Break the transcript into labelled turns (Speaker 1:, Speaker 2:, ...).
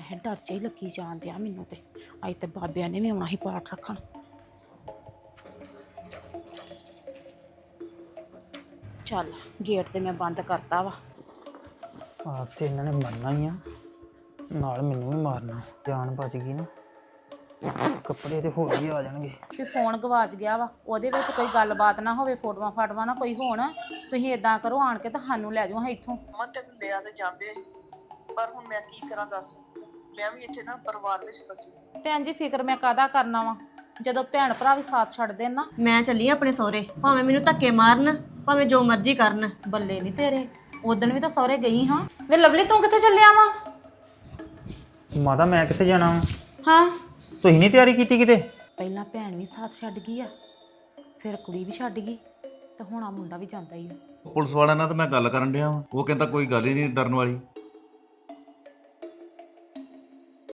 Speaker 1: ਹੈ ਡਰ ਚ ਹੀ ਲੱਗੀ ਜਾਣ ਡਿਆ ਮੈਨੂੰ ਤੇ ਅੱਜ ਤੇ ਬਾਬਿਆਂ ਨੇ ਵੀ ਆਉਣਾ ਸੀ ਪਾਠ ਰੱਖਣ। ਚੱਲ ਗੇਟ ਤੇ ਮੈਂ ਬੰਦ ਕਰਤਾ ਵਾ।
Speaker 2: ਆਪ ਤੇ ਇਹਨਾਂ ਨੇ ਮਰਨਾ ਹੀ ਆ, ਨਾਲ ਮੈਨੂੰ ਵੀ ਮਾਰਨਾ। ਜਾਨ ਬਚ ਗਈ ਨਾ, ਕੱਪੜੇ ਤੇ ਹੋਰ ਹੀ ਆ ਜਾਣਗੇ।
Speaker 1: ਵੀ ਫੋਨ ਗਵਾਚ ਗਿਆ ਵਾ, ਉਹਦੇ ਵਿੱਚ ਕੋਈ ਗੱਲਬਾਤ ਨਾ ਹੋਵੇ, ਫੋਟੋਆਂ ਫਾਟਵਾਂ ਨਾ ਕੋਈ ਹੋਣ। ਤੁਸੀਂ ਇਦਾਂ ਕਰੋ, ਆਣ ਕੇ ਤਾਂ ਸਾਨੂੰ ਲੈ ਜਾਓ ਇੱਥੋਂ।
Speaker 3: ਮੈਂ ਤੈਨੂੰ ਲਿਆ ਤੇ ਜਾਂਦੇ, ਪਰ ਹੁਣ ਮੈਂ ਕੀ ਕਰਾਂ ਦੱਸ। ਮੈਂ ਵੀ ਇੱਥੇ ਨਾ ਪਰਿਵਾਰ ਵਿੱਚ ਫਸੀ।
Speaker 1: ਭੈਣ ਜੀ ਫਿਕਰ ਮੈਂ ਕਾਹਦਾ ਕਰਨਾ ਵਾ, ਜਦੋਂ ਭੈਣ ਭਰਾ ਵੀ ਸਾਥ ਛੱਡ ਦੇਣ ਨਾ।
Speaker 4: ਮੈਂ ਚੱਲੀ ਆਪਣੇ ਸਹੁਰੇ, ਭਾਵੇਂ ਮੈਨੂੰ ਧੱਕੇ ਮਾਰਨ, ਭਾਵੇਂ ਜੋ ਮਰਜ਼ੀ ਕਰਨ।
Speaker 1: ਬੱਲੇ ਨਹੀਂ ਤੇਰੇ, ਉਦਣ ਵੀ ਤਾਂ ਸਹੁਰੇ ਗਈ ਹਾਂ। ਵੇ ਲਵਲੀ ਤੂੰ ਕਿੱਥੇ ਚੱਲਿਆ ਵਾ?
Speaker 2: ਮਾਤਾ ਮੈਂ ਕਿੱਥੇ ਜਾਣਾ ਵਾ?
Speaker 1: ਹਾਂ
Speaker 2: ਤੁਸੀਂ ਨਹੀਂ ਤਿਆਰੀ ਕੀਤੀ ਕਿਤੇ?
Speaker 1: ਪਹਿਲਾਂ ਭੈਣ ਵੀ ਸਾਥ ਛੱਡ ਗਈ ਆ, ਫਿਰ ਕੁੜੀ ਵੀ ਛੱਡ ਗਈ, ਤੇ ਹੁਣ ਆ ਮੁੰਡਾ ਵੀ ਜਾਂਦਾ ਹੀ ਆ।
Speaker 5: ਪੁਲਿਸ ਵਾਲਿਆਂ ਨਾਲ ਤਾਂ ਮੈਂ ਗੱਲ ਕਰਨ ਡਿਆ ਵਾਂ, ਉਹ ਕਹਿੰਦਾ ਕੋਈ ਗੱਲ ਹੀ ਨਹੀਂ ਡਰਨ ਵਾਲੀ।